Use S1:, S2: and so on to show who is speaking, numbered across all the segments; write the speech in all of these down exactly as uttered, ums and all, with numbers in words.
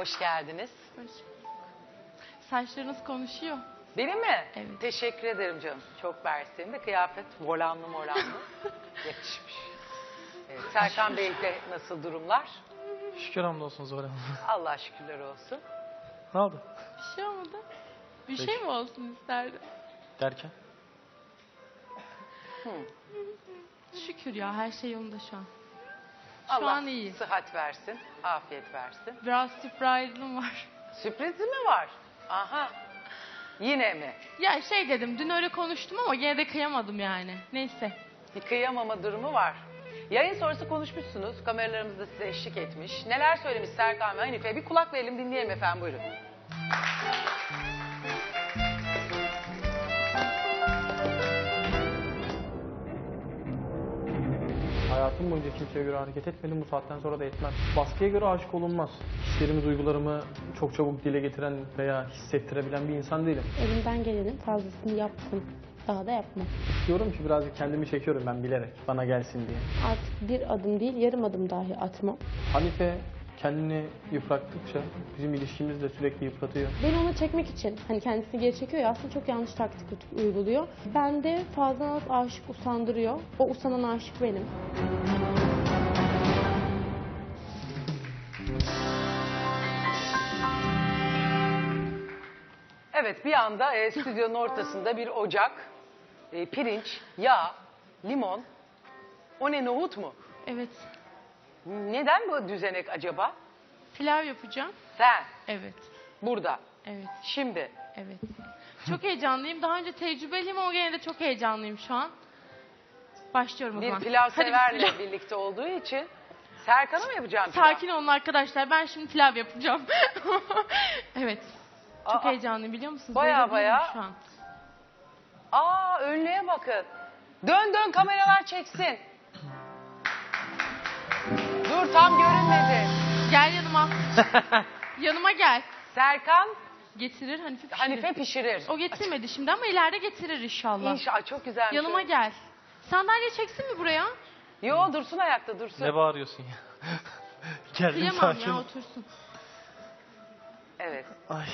S1: Hoş geldiniz.
S2: Hoş bulduk. Saçlarınız konuşuyor.
S1: Benim mi?
S2: Evet.
S1: Teşekkür ederim canım. Çok mersi. De kıyafet volanlı molanlı. Yakışmış. Evet, Serkan Bey'de nasıl durumlar?
S3: Şükür hamdolsun Zuhal Hanım.
S1: Allah şükürler olsun.
S3: Ne oldu?
S2: Bir şey olmadı. Bir
S3: Peki.
S2: şey mi olsun isterdi?
S3: Derken?
S1: Hı.
S2: Şükür ya, her şey yolunda şu an. Şu
S1: Allah
S2: an iyi.
S1: sıhhat versin, afiyet versin.
S2: Biraz sürprizim var.
S1: Sürprizi mi var? Aha. Yine mi?
S2: Ya şey dedim, dün öyle konuştum ama gene de kıyamadım yani. Neyse.
S1: Bir kıyamama durumu var. Yayın sonrası konuşmuşsunuz. Kameralarımız da size eşlik etmiş. Neler söylemiş Serkan ve Hanife? Bir kulak verelim, dinleyelim efendim, buyurun.
S3: Hayatım boyunca kimseye göre hareket etmedim. Bu saatten sonra da etmem. Baskıya göre aşık olunmaz. Hislerimi, duygularımı çok çabuk dile getiren veya hissettirebilen bir insan değilim.
S4: Elimden gelenin fazlasını yaptım. Daha da yapmam.
S3: Diyorum ki birazcık kendimi çekiyorum ben bilerek. Bana gelsin diye.
S4: Artık bir adım değil, yarım adım dahi atmam.
S3: Hanife kendini yıprattıkça bizim ilişkimiz de sürekli yıpratıyor.
S4: Beni ona çekmek için, hani kendisini geri çekiyor ya, aslında çok yanlış taktik uyguluyor. Ben de fazla az aşık usandırıyor. O usanan aşık benim.
S1: Evet, bir anda e, stüdyonun ortasında bir ocak, e, pirinç, yağ, limon. O ne, nohut mu?
S2: Evet.
S1: Neden bu düzenek acaba?
S2: Pilav yapacağım.
S1: Sen,
S2: Evet.
S1: burada,
S2: Evet.
S1: şimdi.
S2: Evet. Çok heyecanlıyım. Daha önce tecrübeliyim ama gene de çok heyecanlıyım şu an. Başlıyorum o
S1: Bir
S2: zaman.
S1: pilav
S2: Hadi
S1: severle
S2: bismillah.
S1: birlikte olduğu için. Serkan'a mı yapacağım pilav?
S2: Sakin olun arkadaşlar. Ben şimdi pilav yapacağım. Evet. Çok
S1: Aa,
S2: heyecanlıyım, biliyor musunuz?
S1: baya
S2: Bayılıyorum
S1: baya.
S2: Şu an.
S1: Aa, önlüğe bakın. Dön dön, kameralar çeksin. Dur, tam görünmedi.
S2: Gel yanıma. Yanıma gel.
S1: Serkan
S2: Getirir Hanife pişirir.
S1: Hanife pişirir.
S2: O getirmedi şimdi ama ileride getirir inşallah.
S1: İnşallah, çok güzelmiş.
S2: Yanıma gel. Sandalye çeksin mi buraya?
S1: Yo, dursun ayakta, dursun.
S3: Ne bağırıyorsun ya? Geldim
S2: Kıyamam
S3: sakin.
S2: ya, otursun.
S1: Evet.
S3: Ay.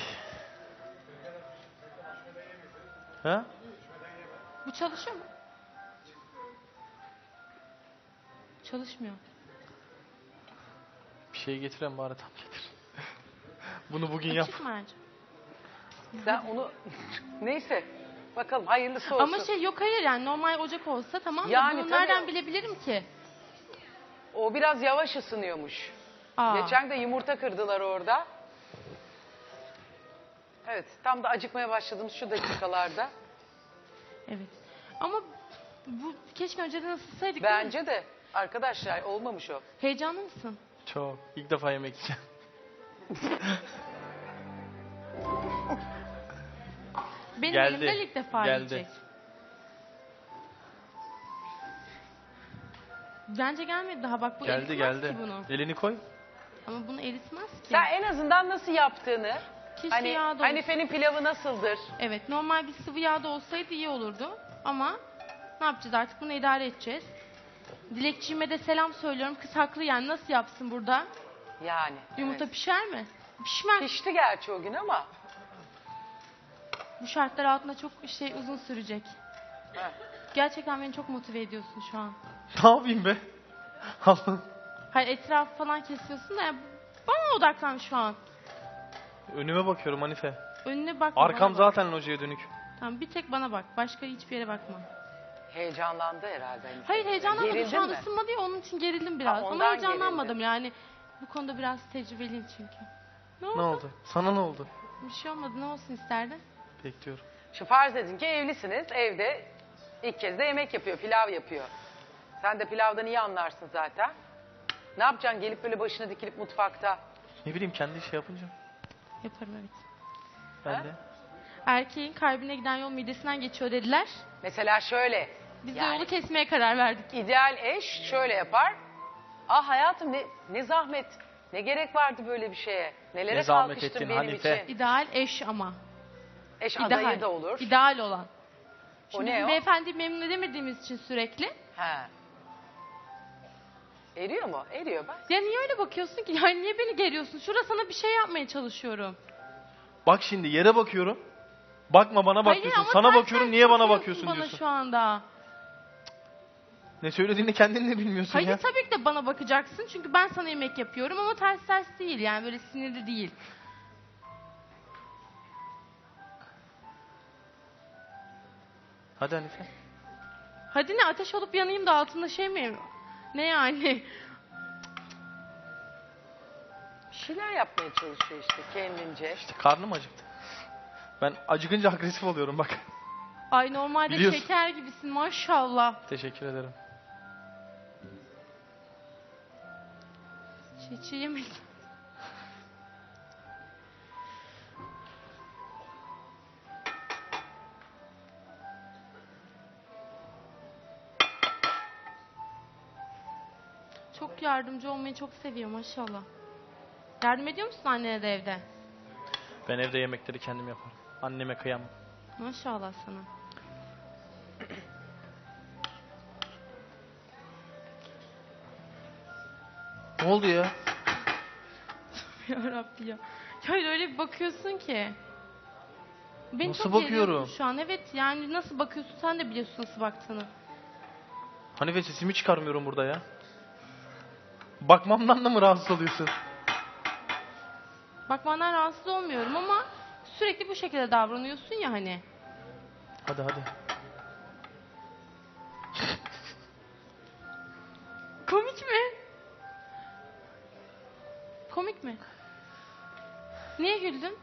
S3: Ha?
S2: Bu çalışıyor mu? Çalışmıyor.
S3: Bir şey getiren bari tam getir. Bunu bugün yap.
S2: Açık mı Ercan?
S1: Sen onu neyse. Bakalım, hayırlısı olsun.
S2: Ama şey yok, hayır yani normal ocak olsa tamam da
S1: Yani
S2: bunu
S1: tabii.
S2: nereden bilebilirim ki?
S1: O biraz yavaş ısınıyormuş.
S2: Aa.
S1: Geçen de yumurta kırdılar orada. Evet, tam da acıkmaya başladığımız şu dakikalarda.
S2: Evet. Ama bu keşke önceden ısıtsaydık. değil mi?
S1: Bence de arkadaşlar, olmamış o.
S2: Heyecanlı mısın?
S3: Çok. İlk defa yemek yiyeceğim.
S2: Benim
S3: Geldi,
S2: elimden ilk defa
S3: geldi.
S2: yiyecek. Bence gelmedi daha, bak bu
S3: Geldi
S2: eritmez
S3: geldi.
S2: ki bunu.
S3: Elini koy.
S2: Ama bunu eritmez ki.
S1: Sen en azından nasıl yaptığını,
S2: Keşke
S1: hani
S2: yağda olsa.
S1: Hanife'nin pilavı nasıldır?
S2: Evet, normal bir sıvı yağda olsaydı iyi olurdu. Ama ne yapacağız artık, bunu idare edeceğiz. Dilekçiğime de selam söylüyorum. Kız haklı yani, nasıl yapsın burada?
S1: Yani.
S2: Yumurta
S1: evet.
S2: pişer mi? Pişmez.
S1: Pişti gerçi o gün ama.
S2: Bu şartlar altında çok şey uzun sürecek.
S1: Heh.
S2: Gerçekten beni çok motive ediyorsun şu an.
S3: Ne yapayım be? Allah'ım.
S2: Hayır, etrafı falan kesiyorsun da yani bana odaklan şu an.
S3: Önüme bakıyorum Hanife.
S2: Önüne bakma.
S3: Arkam
S2: bana bak.
S3: zaten locaya dönük.
S2: Tamam, bir tek bana bak. Başka hiçbir yere bakma.
S1: Heyecanlandı herhalde Hanife.
S2: Hayır, heyecanlanmadım.
S1: Gerildin
S2: Şu an
S1: mi?
S2: ısınmadı ya, onun için gerildim biraz.
S1: Ha,
S2: Ama
S1: ondan
S2: heyecanlanmadım yani. Bu konuda biraz tecrübeliyim çünkü. Ne oldu?
S3: Ne oldu? Sana ne oldu?
S2: Bir şey olmadı. Ne olsun isterdin?
S3: Bekliyorum.
S1: Şu farz edin ki evlisiniz, evde ilk kez de yemek yapıyor, pilav yapıyor. Sen de pilavdan iyi anlarsın zaten. Ne yapacaksın, gelip böyle başına dikilip mutfakta?
S3: Ne bileyim kendi şey yapınca.
S2: Yaparım, evet.
S3: Ben
S1: Ha?
S3: de.
S2: Erkeğin kalbine giden yol midesinden geçiyor dediler.
S1: Mesela şöyle,
S2: Biz de
S1: Yani-
S2: yolu kesmeye karar verdik.
S1: ideal eş şöyle yapar. Ah hayatım, ne, ne zahmet, ne gerek vardı böyle bir şeye? Nelere
S3: Ne zahmet
S1: kalkıştın
S3: ettin
S1: benim
S3: Hanife.
S1: için?
S2: İdeal eş ama.
S1: Eş
S2: İdeal.
S1: adayı da olur.
S2: İdeal olan.
S1: O
S2: Şimdi
S1: ne
S2: bizim
S1: o?
S2: beyefendi memnun edemediğimiz için sürekli
S1: He. Eriyor mu? Eriyor bak.
S2: Ya niye öyle bakıyorsun ki? Yani niye beni geriyorsun? Şurada sana bir şey yapmaya çalışıyorum.
S3: Bak şimdi yere bakıyorum. Bakma bana bak
S2: Hayır,
S3: diyorsun.
S2: ama
S3: Sana
S2: ters
S3: bakıyorum
S2: ters
S3: niye bana
S2: bakıyorsun
S3: bakıyorsun
S2: bana
S3: diyorsun.
S2: şu anda.
S3: Ne söylediğini kendin de bilmiyorsun
S2: Hayır
S3: ya.
S2: tabii ki de bana bakacaksın. Çünkü ben sana yemek yapıyorum ama ters ters değil. Yani böyle sinirli değil.
S3: Hadi Hanife.
S2: Hadi ne, ateş olup yanayım da altında şey mi? Ne yani?
S1: Bir şeyler yapmaya çalışıyor işte kendince.
S3: İşte karnım acıktı. Ben acıkınca agresif oluyorum bak.
S2: Ay normalde
S3: Biliyorsun.
S2: şeker gibisin maşallah.
S3: Teşekkür ederim.
S2: Çiğ çiğ yemek. Çok yardımcı olmayı çok seviyor maşallah. Yardım ediyor musun annene de evde?
S3: Ben evde yemekleri kendim yaparım. Anneme kıyamam.
S2: Maşallah sana.
S3: Ne oldu ya?
S2: Ya Rabbi ya. Ya öyle bir bakıyorsun ki. Beni
S3: Nasıl
S2: çok
S3: bakıyorum?
S2: geriyorsun şu an. Evet yani nasıl bakıyorsun sen de biliyorsun nasıl baktığını.
S3: Hanife sesimi çıkarmıyorum burada ya. Bakmamdan da mı rahatsız oluyorsun?
S2: Bakmandan rahatsız olmuyorum ama sürekli bu şekilde davranıyorsun ya hani.
S3: Hadi hadi.
S2: Komik mi? Komik mi? Niye güldün?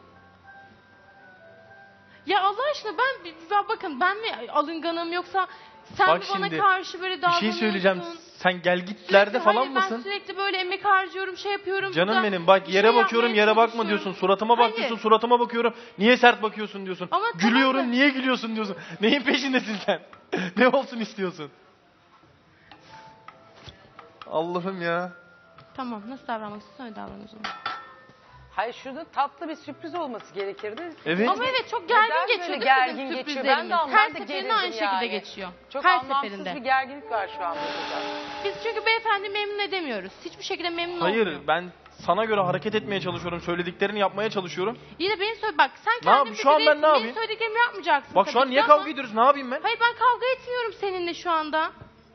S2: Ya Allah aşkına ben, ben bakın ben mi alınganım yoksa sen
S3: Bak
S2: mi bana
S3: şimdi,
S2: karşı böyle
S3: Bir
S2: davranıyorsun?
S3: şey söyleyeceğim. Sen gelgitlerde
S2: Sürekli-
S3: falan
S2: hayır,
S3: mısın?
S2: Ben sürekli böyle emek harcıyorum, şey yapıyorum.
S3: Canım
S2: burada
S3: benim bak
S2: bir
S3: yere
S2: şey
S3: bakıyorum
S2: yapmaya
S3: yere bakma
S2: çalışıyorum.
S3: diyorsun. Suratıma bak
S2: Hayır.
S3: diyorsun. Suratıma bakıyorum. Niye sert bakıyorsun diyorsun.
S2: Ama tamam
S3: Gülüyorum
S2: da-
S3: niye gülüyorsun diyorsun. Neyin peşindesin sen? Ne olsun istiyorsun? Allah'ım ya.
S2: Tamam nasıl davranmak istiyorsan öyle davran o zaman.
S1: Hayır şurada tatlı bir sürpriz olması gerekirdi.
S3: Evet.
S2: Ama evet çok gergin
S1: Neden
S2: geçiyor
S1: böyle
S2: değil mi
S1: gergin
S2: bizim
S1: geçiyor? Ben de
S2: sürprizlerimiz?
S1: anlamadım,
S2: Her
S1: ben de
S2: seferinde aynı
S1: gerildim
S2: şekilde
S1: yani.
S2: geçiyor.
S1: Çok
S2: Her
S1: anlamsız
S2: seferinde.
S1: bir gerginlik var şu an burada.
S2: Biz çünkü beyefendi memnun edemiyoruz. Hiçbir şekilde memnun
S3: Hayır
S2: olmuyor.
S3: ben sana göre hareket etmeye çalışıyorum. Söylediklerini yapmaya çalışıyorum.
S2: İyi de beni söyle bak sen
S3: Ne
S2: kendin
S3: yapayım? Şu an ben
S2: fikirlisin,
S3: ne
S2: benim
S3: yapayım?
S2: söylediklerimi yapmayacaksın.
S3: Bak şu
S2: tabii
S3: an
S2: ki
S3: niye
S2: ama-
S3: kavga ediyoruz? Ne yapayım ben?
S2: Hayır ben kavga etmiyorum seninle şu anda.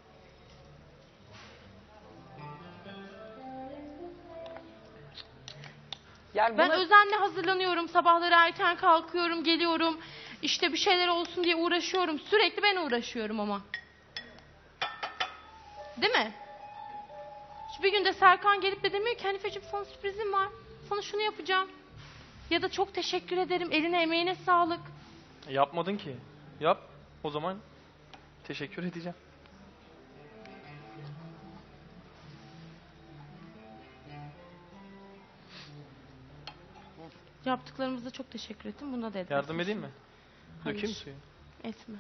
S1: Yani
S2: Ben
S1: bunu-
S2: özenle hazırlanıyorum. Sabahları erken kalkıyorum, geliyorum. İşte bir şeyler olsun diye uğraşıyorum. Sürekli ben uğraşıyorum ama. Değil mi? Şu bir günde Serkan gelip de demiyor ki Hanifeciğim sana sürprizim var. Sana şunu yapacağım. Ya da çok teşekkür ederim. Eline emeğine sağlık.
S3: Yapmadın ki. Yap. O zaman teşekkür edeceğim.
S2: Yaptıklarımıza çok teşekkür ettim. Buna da edersin.
S3: Yardım edeyim mi?
S2: Hayır.
S3: Dökeyim mi suyu?
S2: Etme.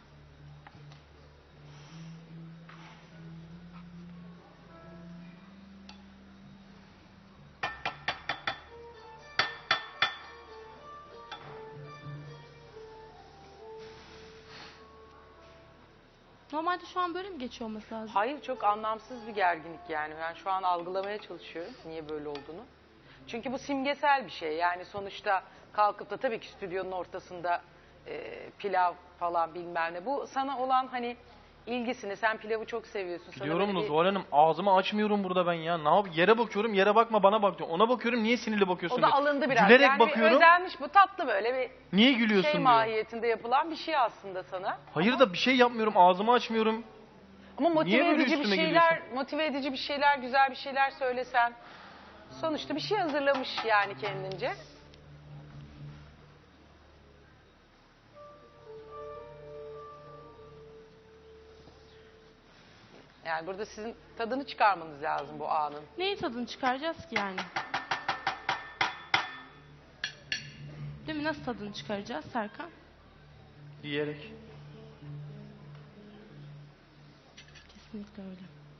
S2: Normalde şu an böyle mi geçiyor olması lazım?
S1: Hayır çok anlamsız bir gerginlik yani. Ben şu an algılamaya çalışıyorum niye böyle olduğunu. Çünkü bu simgesel bir şey. Yani sonuçta kalkıp da tabii ki stüdyonun ortasında e, pilav falan bilmem ne. Bu sana olan hani ilgisini, sen pilavı çok seviyorsun. Sana
S3: Biliyorum
S1: böyle
S3: da
S1: bir-
S3: Zuhal Hanım ağzımı açmıyorum burada ben ya. Ne yap? Yere bakıyorum yere bakma bana bak diyor. Ona bakıyorum niye sinirli bakıyorsun
S1: O da
S3: diyor.
S1: alındı biraz.
S3: Gülerek
S1: yani bir
S3: bakıyorum.
S1: özenmiş bu tatlı böyle bir
S3: Niye gülüyorsun
S1: şey
S3: diyor.
S1: mahiyetinde yapılan bir şey aslında sana.
S3: Hayır da bir şey yapmıyorum ağzımı açmıyorum.
S1: Ama
S3: Niye
S1: motive
S3: böyle
S1: edici bir
S3: üstüme
S1: şeyler, motive edici bir şeyler, güzel bir şeyler söylesen. Sonuçta bir şey hazırlamış yani kendince. Yani burada sizin tadını çıkarmanız lazım bu anın.
S2: Neyin tadını çıkaracağız ki yani? Değil mi? Nasıl tadını çıkaracağız Serkan?
S3: Yiyerek.
S2: Kesinlikle öyle.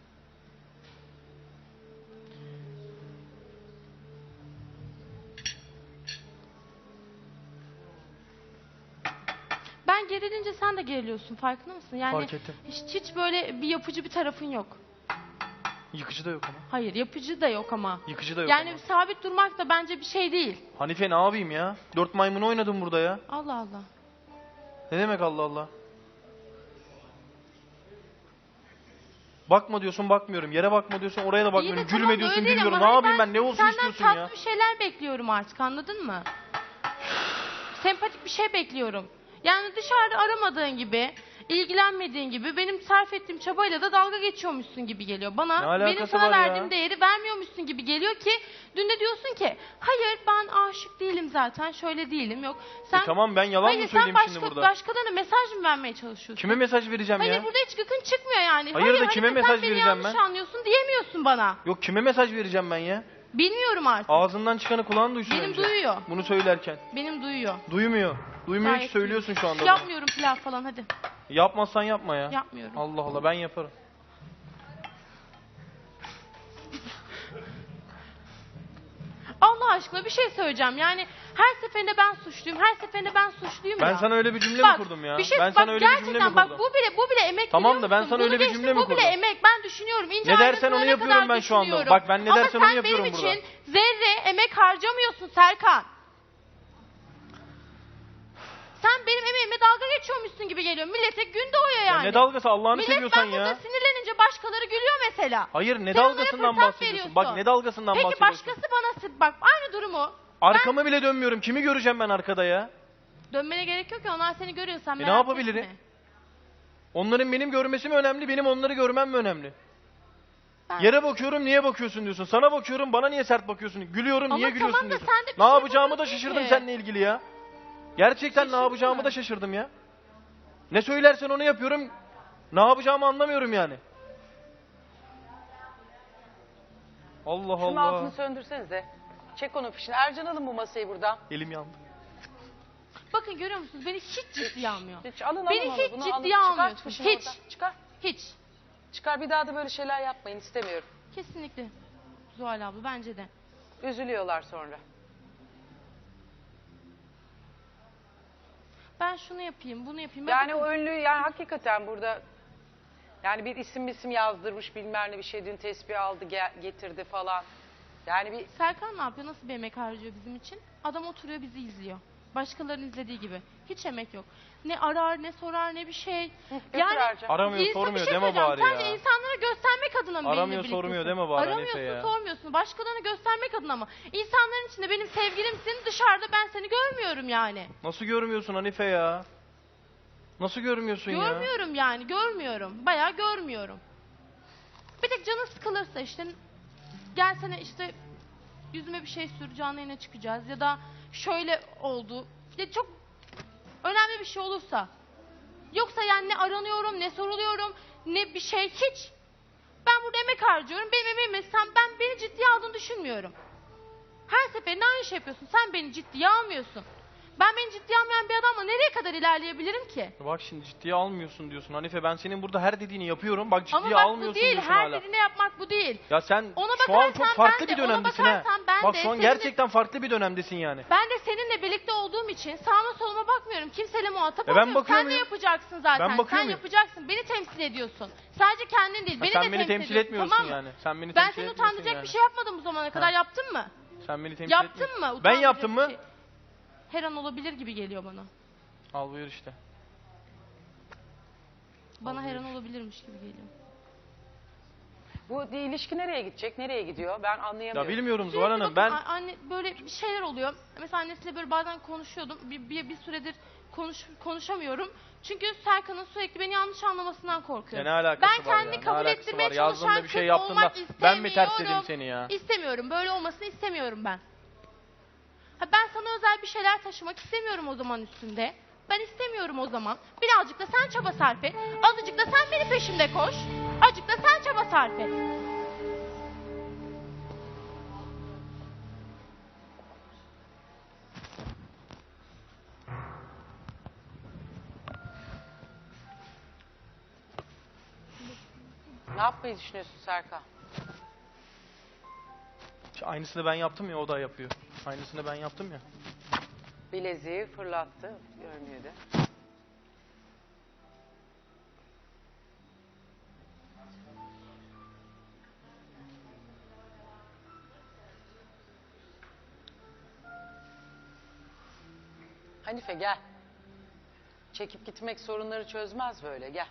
S2: Ben gerilince sen de geriliyorsun farkında mısın? Yani
S3: Fark ettim.
S2: hiç, hiç böyle bir yapıcı bir tarafın yok.
S5: Yıkıcı da yok ama.
S2: Hayır, yapıcı da yok ama.
S5: Yıkıcı da yok
S2: Yani
S5: ama.
S2: sabit durmak da bence bir şey değil.
S5: Hanife ne yapayım ya? Dört maymunu oynadım burada ya.
S2: Allah Allah.
S5: Ne demek Allah Allah? Bakma diyorsun bakmıyorum. Yere bakma diyorsun oraya da
S2: İyi
S5: bakmıyorum.
S2: de
S5: Gülme
S2: tamam,
S5: diyorsun
S2: öyle değil
S5: gülmüyorum.
S2: ama
S5: Ne
S2: hani
S5: yapayım ben? Ne olsun istiyorsun
S2: senden
S5: ya?
S2: tatlı bir şeyler bekliyorum artık, anladın mı? Sempatik bir şey bekliyorum. Yani dışarıda aramadığın gibi, ilgilenmediğin gibi benim sarf ettiğim çabayla da dalga geçiyormuşsun gibi geliyor.
S5: Ne
S2: Bana
S5: alakası
S2: benim sana
S5: var ya?
S2: verdiğim değeri vermiyormuşsun gibi geliyor ki dün de diyorsun ki hayır ben aşık değilim zaten, şöyle değilim, yok. Sen,
S5: E tamam ben yalan
S2: hayır,
S5: mı söyleyeyim
S2: sen
S5: şimdi
S2: başka,
S5: burada?
S2: başkalarına mesaj mı vermeye çalışıyorsun?
S5: Kime mesaj vereceğim
S2: Hayır
S5: ya?
S2: burada hiç gıkın çıkmıyor yani.
S5: Hayır da
S2: Hanife,
S5: kime
S2: sen
S5: mesaj
S2: beni
S5: vereceğim
S2: yanlış
S5: ben?
S2: anlıyorsun diyemiyorsun bana.
S5: Yok kime mesaj vereceğim ben ya?
S2: Bilmiyorum artık.
S5: Ağzından çıkanı kulağın duysun
S2: Benim
S5: önce.
S2: duyuyor.
S5: Bunu söylerken.
S2: Benim duyuyor.
S5: Duymuyor. Duymuyor ki
S2: Gayet
S5: söylüyorsun şu anda. bunu.
S2: Yapmıyorum pilav falan, hadi.
S5: Yapmazsan yapma ya.
S2: Yapmıyorum.
S5: Allah Allah ben yaparım.
S2: Allah aşkına bir şey söyleyeceğim. Yani her seferinde ben suçluyum. Her seferinde ben suçluyum
S5: Ben
S2: ya.
S5: sana öyle bir cümle
S2: Bak,
S5: mi kurdum ya?
S2: Bir şey,
S5: ben
S2: bak,
S5: sana öyle bir
S2: gerçekten
S5: cümle mi
S2: bak
S5: kurdum?
S2: bu bile bu bile emek,
S5: Tamam
S2: biliyor
S5: da ben
S2: musun?
S5: sana
S2: Bunu
S5: öyle bir
S2: geçtim,
S5: cümle mi
S2: Bu bile
S5: kurdum?
S2: emek. Ben düşünüyorum. İnce
S5: Ne dersen
S2: ayrıntısına
S5: onu
S2: ne
S5: yapıyorum
S2: kadar
S5: ben şu anda.
S2: düşünüyorum.
S5: Bak ben ne dersen
S2: Ama
S5: onu yapıyorum
S2: sen
S5: burada.
S2: benim için zerre emek harcamıyorsun Serkan. Sen benim emeğime dalga geçiyormuşsun gibi geliyor. Millete gün doğuyor
S5: Ya
S2: yani.
S5: ne dalgası Allah'ını
S2: Millet
S5: seviyorsan
S2: ben burada
S5: ya.
S2: sinirlenince başkaları gülüyor mesela.
S5: Hayır ne
S2: Sen onlara
S5: dalgasından
S2: fırsat
S5: bahsediyorsun?
S2: veriyorsun.
S5: Bak ne dalgasından
S2: Peki
S5: bahsediyorsun?
S2: başkası bana sı- bak aynı durumu.
S5: Arkamı bile dönmüyorum. Kimi göreceğim ben arkada ya?
S2: Dönmene gerek yok ki, onlar seni görüyorsan
S5: E ne
S2: merak
S5: yapabilirim?
S2: etme.
S5: Onların benim görmesi mi önemli, benim onları görmem mi önemli?
S2: Ben-
S5: Yere bakıyorum niye bakıyorsun diyorsun. Sana bakıyorum bana niye sert bakıyorsun. Gülüyorum
S2: Ama
S5: niye
S2: tamam
S5: gülüyorsun
S2: da
S5: diyorsun.
S2: sen de bir
S5: Ne
S2: şey
S5: yapacağımı da
S2: yapamazsın
S5: şaşırdım
S2: ki.
S5: seninle ilgili ya. Gerçekten ne
S2: Şaşırdın
S5: yapacağımı
S2: mı?
S5: da şaşırdım ya. Ne söylersen onu yapıyorum. Ne yapacağımı anlamıyorum yani. Allah
S1: Şunun
S5: Allah.
S1: altını söndürsenize. Çek onun fişini. Ercan alın bu masayı buradan.
S5: Elim yandı.
S2: Bakın görüyor musunuz? Beni hiç ciddiye almıyor.
S1: Hiç alın
S2: Beni
S1: alın onu.
S2: hiç
S1: Bunu
S2: ciddiye
S1: alın.
S2: almıyorsun.
S1: Çıkar fişini
S2: Hiç.
S1: oradan. Çıkar.
S2: Hiç.
S1: Çıkar bir daha da böyle şeyler yapmayın istemiyorum.
S2: Kesinlikle. Zuhal abla bence de.
S1: Üzülüyorlar sonra.
S2: Ben şunu yapayım, bunu yapayım. Ben
S1: Yani
S2: bakın-
S1: o ünlü yani hakikaten burada yani bir isim isim yazdırmış bilmem ne bir şey dün tespih aldı gel- getirdi falan. Yani bir
S2: Serkan ne yapıyor? Nasıl bir emek harcıyor bizim için? Adam oturuyor bizi izliyor. Başkalarının izlediği gibi. Hiç emek yok. Ne arar, ne sorar, ne bir şey.
S1: götür
S2: Yani
S1: Ercan.
S5: Aramıyor
S2: insan- bir
S5: sormuyor
S2: şey
S5: deme
S2: söyleyeceğim.
S5: bari
S2: Sadece
S5: ya.
S2: insanlara göstermek adına mı
S5: Aramıyor,
S2: benimle birliktesin?
S5: sormuyor deme bari Hanife
S2: Aramıyorsun,
S5: ya.
S2: sormuyorsun. Başkalarına göstermek adına mı? İnsanların içinde benim sevgilimsin, dışarıda ben seni görmüyorum yani.
S5: Nasıl görmüyorsun Hanife ya? Nasıl görmüyorsun ya?
S2: Görmüyorum yani, görmüyorum. Bayağı görmüyorum. Bir tek canın sıkılırsa işte gelsene işte yüzüme bir şey sür, canlı yayına çıkacağız ya da şöyle oldu. Ya çok önemli bir şey olursa. Yoksa yani ne aranıyorum, ne soruluyorum, ne bir şey hiç. Ben burada emek harcıyorum. Benim emeğime sen ben beni ciddiye aldığını düşünmüyorum. Her seferinde aynı şey yapıyorsun. Sen beni ciddiye almıyorsun. Ben beni ciddiye almayan bir adamla nereye kadar ilerleyebilirim ki?
S5: Bak şimdi ciddiye almıyorsun diyorsun Hanife. Ben senin burada her dediğini yapıyorum. Bak ciddiye
S2: Ama bak bu
S5: almıyorsun
S2: değil.
S5: diyorsun
S2: Her
S5: hala.
S2: dediğine yapmak bu değil.
S5: Ya sen
S2: Ona
S5: şu an çok
S2: bakarsan
S5: farklı
S2: ben
S5: bir
S2: de- ona
S5: dönemdesin ha.
S2: bakarsan ben
S5: Bak
S2: de
S5: şu an
S2: seninle-
S5: gerçekten farklı bir dönemdesin yani.
S2: Ben de seninle birlikte olduğum için sağıma soluma bakmıyorum. Kimseyle muhatap
S5: E ben
S2: olmuyorum.
S5: bakıyor
S2: Sen de
S5: muyum?
S2: yapacaksın zaten.
S5: Ben bakıyor
S2: Sen
S5: muyum?
S2: yapacaksın. Beni temsil ediyorsun. Sadece kendin değil.
S5: Ha,
S2: Beni
S5: sen
S2: de
S5: beni temsil
S2: ediyorsun.
S5: etmiyorsun
S2: Tamam mı?
S5: yani. Sen beni
S2: Ben
S5: temsil
S2: seni
S5: etmiyorsun
S2: utandıracak
S5: yani.
S2: bir şey yapmadım bu zamana kadar.
S5: Ha.
S2: Yaptın mı?
S5: Sen beni temsil
S2: Yaptın
S5: etmiyorsun.
S2: mı?
S5: Ben
S2: Utandıracak
S5: yaptım
S2: bir
S5: mı?
S2: şey. Her an olabilir gibi geliyor bana.
S5: Al buyur işte.
S2: Bana her an
S5: Olabilir.
S2: olabilirmiş gibi geliyor.
S1: bu ilişki nereye gidecek? Nereye gidiyor? Ben anlayamıyorum.
S5: Ya bilmiyorum Zuhal
S2: Sürekli
S5: Hanım.
S2: bakın,
S5: Ben
S2: a- anne böyle bir şeyler oluyor. Mesela annesiyle böyle bazen konuşuyordum. Bir, bir, bir süredir konuş, konuşamıyorum. Çünkü Serkan'ın sürekli beni yanlış anlamasından
S5: ya
S2: korkuyorum.
S5: ne alakası
S2: ben
S5: var
S2: kendini
S5: ya? Ne
S2: kabul
S5: alakası
S2: ettirmeye
S5: var?
S2: çalışan
S5: Yazdığında bir şey
S2: kız
S5: yaptın da
S2: olmak
S5: ben mi ters dedim
S2: istemiyorum.
S5: seni ya?
S2: İstemiyorum. Böyle olmasını istemiyorum ben. Ha, ben sana özel bir şeyler taşımak istemiyorum o zaman üstünde. Ben istemiyorum o zaman. Birazcık da sen çaba sarf et. Azıcık da sen benim peşimde koş. Azıcık da sen çaba sarf et.
S1: Ne yapmayı düşünüyorsun Serkan?
S5: Aynısını ben yaptım ya o da yapıyor. Aynısını ben yaptım ya.
S1: Bileziği fırlattı. Görmüyor da. Hanife gel. Çekip gitmek sorunları çözmez böyle, gel.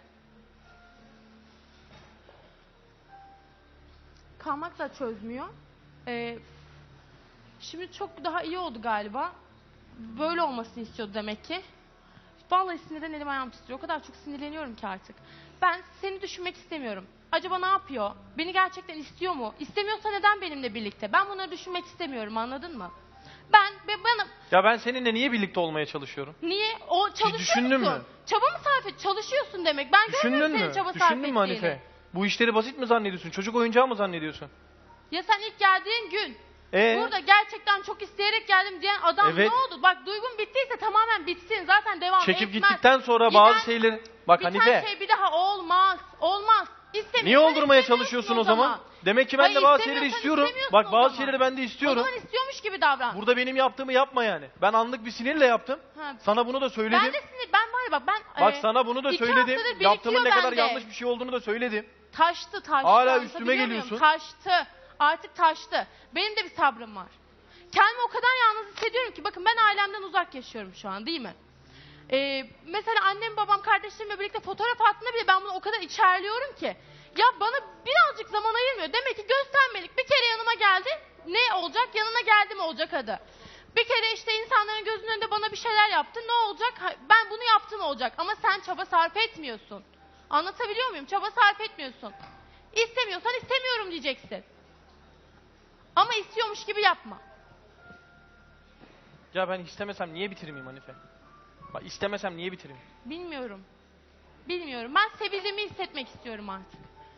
S2: Kalmak da çözmüyor. Ee, şimdi çok daha iyi oldu galiba. Böyle olmasını istiyordu demek ki. Vallahi sinirden elim ayağım titriyor. O kadar çok sinirleniyorum ki artık. Ben seni düşünmek istemiyorum. Acaba ne yapıyor? Beni gerçekten istiyor mu? İstemiyorsa neden benimle birlikte? Ben bunları düşünmek istemiyorum, anladın mı? Ben ve bana
S5: Ya ben seninle niye birlikte olmaya çalışıyorum?
S2: niye o çalışıyor
S5: düşündün
S2: musun?
S5: mü?
S2: Çaba mı sarf et? Çalışıyorsun demek. Ben
S5: Düşündün
S2: görmüyorum
S5: mü?
S2: senin çaba sarf
S5: Düşündün
S2: ettiğini.
S5: mü Hanife? Bu işleri basit mi zannediyorsun? Çocuk oyuncağı mı zannediyorsun?
S2: Ya sen ilk geldiğin gün
S5: Ee?
S2: burada gerçekten çok isteyerek geldim diyen adam
S5: Evet.
S2: ne oldu? Bak duygun bittiyse tamamen bitsin. Zaten devam
S5: Çekip
S2: etmez.
S5: gittikten sonra
S2: Giden-
S5: bazı şeyleri... Bak
S2: Biten
S5: Hanife,
S2: şey bir daha olmaz. Olmaz. İstemiyorsan
S5: niye oldurmaya
S2: istemiyorsun
S5: çalışıyorsun o zaman? Demek ki ben
S2: Hayır,
S5: de bazı şeyleri
S2: istemiyorsan
S5: istiyorum.
S2: istemiyorsun
S5: Bak
S2: o
S5: bazı
S2: zaman.
S5: şeyleri ben de
S2: O
S5: istiyorum.
S2: zaman istiyormuş gibi davran.
S5: Burada benim yaptığımı yapma yani. Ben anlık bir sinirle yaptım.
S2: Ha,
S5: Sana bunu da söyledim.
S2: ben de sinir, ben var ya bak ben
S5: Bak
S2: e,
S5: sana bunu da
S2: iki
S5: söyledim.
S2: haftadır birikiyor
S5: Yaptığımın ne kadar
S2: bende.
S5: yanlış bir şey olduğunu da söyledim.
S2: Taştı taştı.
S5: Hala
S2: anlatabiliyor
S5: üstüme
S2: muyum?
S5: geliyorsun.
S2: Taştı. Artık taştı. Benim de bir sabrım var. Kendimi o kadar yalnız hissediyorum ki bakın ben ailemden uzak yaşıyorum şu an değil mi? Ee, mesela annem babam kardeşlerimle birlikte fotoğraf attığında bile ben bunu o kadar içerliyorum ki. Ya bana birazcık zaman ayırmıyor. Demek ki göstermelik. Bir kere yanıma geldi. Ne olacak? Yanına geldim olacak adı. Bir kere işte insanların gözünün önünde bana bir şeyler yaptı. Ne olacak? Ha, ben bunu yaptım olacak. Ama sen çaba sarf etmiyorsun. Anlatabiliyor muyum? Çaba sarf etmiyorsun. İstemiyorsan istemiyorum diyeceksin. Ama istiyormuş gibi yapma.
S5: Ya ben istemesem niye bitirmeyeyim Hanife? Bak istemesem niye bitireyim?
S2: Bilmiyorum. Bilmiyorum. Ben sevildiğimi hissetmek istiyorum artık.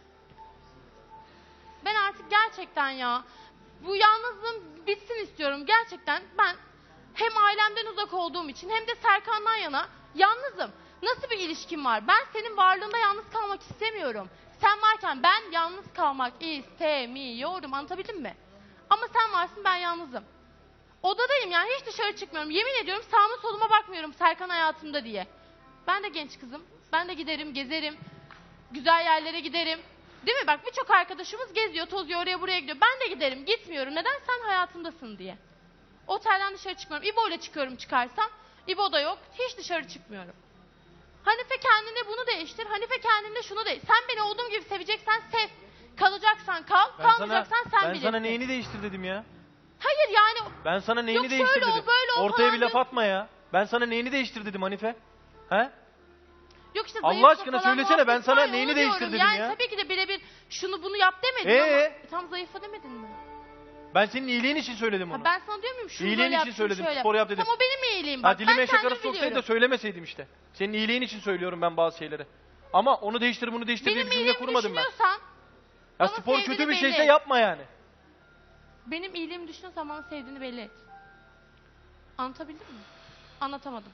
S2: Ben artık gerçekten ya bu yalnızlığım bitsin istiyorum. Gerçekten ben hem ailemden uzak olduğum için hem de Serkan'dan yana yalnızım. Nasıl bir ilişkim var? Ben senin varlığında yalnız kalmak istemiyorum. Sen varken ben yalnız kalmak istemiyorum. Anlatabildim mi? Ama sen varsın, ben yalnızım. Odadayım yani, hiç dışarı çıkmıyorum. Yemin ediyorum sağıma soluma bakmıyorum Serkan hayatımda diye. Ben de genç kızım. Ben de giderim, gezerim. Güzel yerlere giderim. Değil mi? Bak birçok arkadaşımız geziyor, tozuyor, oraya buraya gidiyor. Ben de giderim, gitmiyorum. Neden? Sen hayatımdasın diye. Otelden dışarı çıkmıyorum. İbo ile çıkıyorum çıkarsam. İbo da yok. Hiç dışarı çıkmıyorum. Hanife kendine bunu değiştir. Hanife kendine şunu değiştir. Sen beni olduğum gibi seveceksen sev. Kalacaksan kal,
S5: Ben sana,
S2: kalmayacaksan sen
S5: ben
S2: bilirsin.
S5: sana neyini değiştir dedim ya?
S2: Hayır yani
S5: Ben sana neyini
S2: Yok
S5: değiştir
S2: şöyle ol,
S5: dedim.
S2: böyle ol
S5: Ortaya
S2: falan
S5: bir laf
S2: diyorsun.
S5: atma ya. Ben sana neyini değiştir dedim Hanife? He?
S2: yok işte
S5: Allah
S2: zayıfla
S5: aşkına
S2: falan
S5: söylesene, ben
S2: muhabbet
S5: sana
S2: var ya,
S5: neyini
S2: onu
S5: değiştir
S2: diyorum.
S5: dedim
S2: yani
S5: ya.
S2: tabii ki de birebir şunu bunu yap demedim
S5: Ee?
S2: ama e, tam zayıfla demedin mi?
S5: Ben senin iyiliğin için söyledim onu.
S2: Ha, ben sana diyor muyum şunu
S5: İyiliğin
S2: böyle
S5: için
S2: yap, şunu
S5: söyledim,
S2: şöyle
S5: spor yap dedim.
S2: Tam o benim iyiliğim bak.
S5: Ha, dilime
S2: ben
S5: eşek arası
S2: kendimi
S5: soksaydı da
S2: biliyorum.
S5: söylemeseydim işte. Senin iyiliğin için söylüyorum ben bazı şeyleri. Ama onu değiştir bunu değiştir diye
S2: Benim
S5: bir cümle
S2: iyiliğimi
S5: kurmadım ben.
S2: düşünüyorsan
S5: Ya
S2: bana
S5: spor
S2: sevdiğini
S5: kötü bir
S2: belli
S5: şeyse
S2: et.
S5: yapma yani.
S2: Benim iyiliğimi düşünüyorsan bana sevdiğini belli et. Anlatabildim mi? Anlatamadım.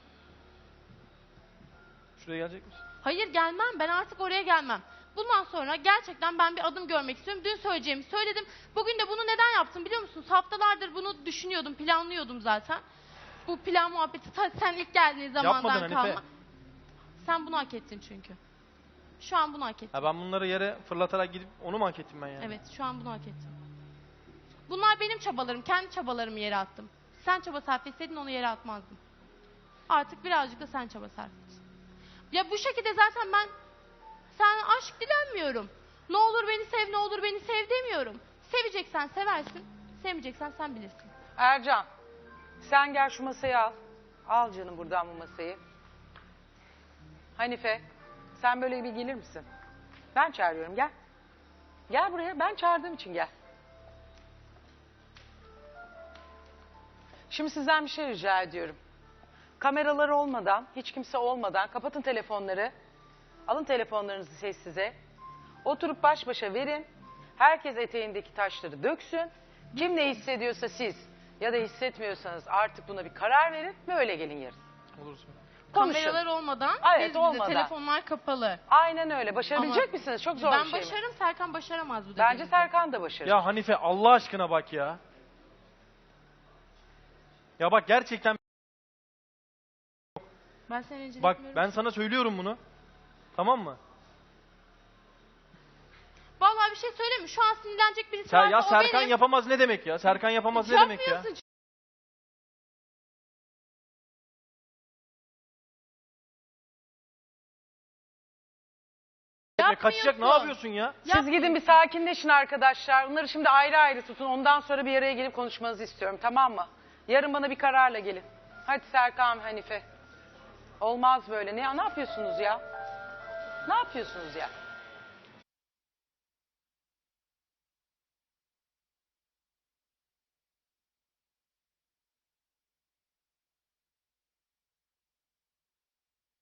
S5: Şuraya gelecek misin?
S2: Hayır gelmem. Ben artık oraya gelmem. Bundan sonra gerçekten ben bir adım görmek istiyorum. Dün söyleyeceğimi söyledim. Bugün de bunu neden yaptım biliyor musunuz? Haftalardır bunu düşünüyordum, planlıyordum zaten. Bu plan muhabbeti ta sen ilk geldiğin zamandan
S5: Yapmadın Hanife.
S2: kalma. Sen bunu hak ettin çünkü. Şu an bunu hak ettin.
S5: Ha, ben bunları yere fırlatarak gidip onu mu hak ettim ben yani?
S2: Evet, şu an bunu hak ettin. Bunlar benim çabalarım, kendi çabalarımı yere attım. Sen çaba sarf etseydin onu yere atmazdın. Artık birazcık da sen çaba sarf et. Ya bu şekilde zaten ben sen aşk dilenmiyorum. Ne olur beni sev, ne olur beni sev demiyorum. Seveceksen seversin, sevmeyeceksen sen bilirsin.
S1: Ercan, sen gel şu masayı al. Al canım buradan bu masayı. Hanife, sen böyle bir gelir misin? Ben çağırıyorum, gel. Gel buraya, ben çağırdığım için gel. Şimdi sizden bir şey rica ediyorum. Kameralar olmadan, hiç kimse olmadan kapatın telefonları. Alın telefonlarınızı sessize. Oturup baş başa verin. Herkes eteğindeki taşları döksün. Kim ne hissediyorsa siz ya da hissetmiyorsanız artık buna bir karar verin ve öyle gelin yarın.
S5: Olursun.
S1: Konuşun.
S2: Kameralar olmadan,
S1: Evet,
S2: biz bize,
S1: olmadan.
S2: telefonlar kapalı.
S1: Aynen öyle. Başarabilecek
S2: Ama
S1: misiniz? Çok zor
S2: ben
S1: bir şey mi?
S2: başarırım, Serkan başaramaz bu
S1: Bence
S2: dediğinizi.
S1: Serkan da başarır.
S5: Ya Hanife Allah aşkına bak ya. Ya bak gerçekten
S2: Ben seni rencide
S5: bak
S2: etmiyorum.
S5: ben sana söylüyorum bunu. Tamam mı?
S2: Vallahi bir şey söyleyeyim mi? Şu an sinirlenecek birisi
S5: Sen,
S2: varsa
S5: ya
S2: o
S5: Serkan
S2: benim.
S5: yapamaz ne demek ya? Serkan yapamaz ne demek ya?
S2: Yapmıyorsun
S5: Kaçacak, ne yapıyorsun ya?
S1: Siz gidin bir sakinleşin arkadaşlar. Bunları şimdi ayrı ayrı tutun. Ondan sonra bir araya gelip konuşmanızı istiyorum, tamam mı? Yarın bana bir kararla gelin. Hadi Serkan, Hanife. Olmaz böyle. Ne, ne yapıyorsunuz ya? Ne yapıyorsunuz ya?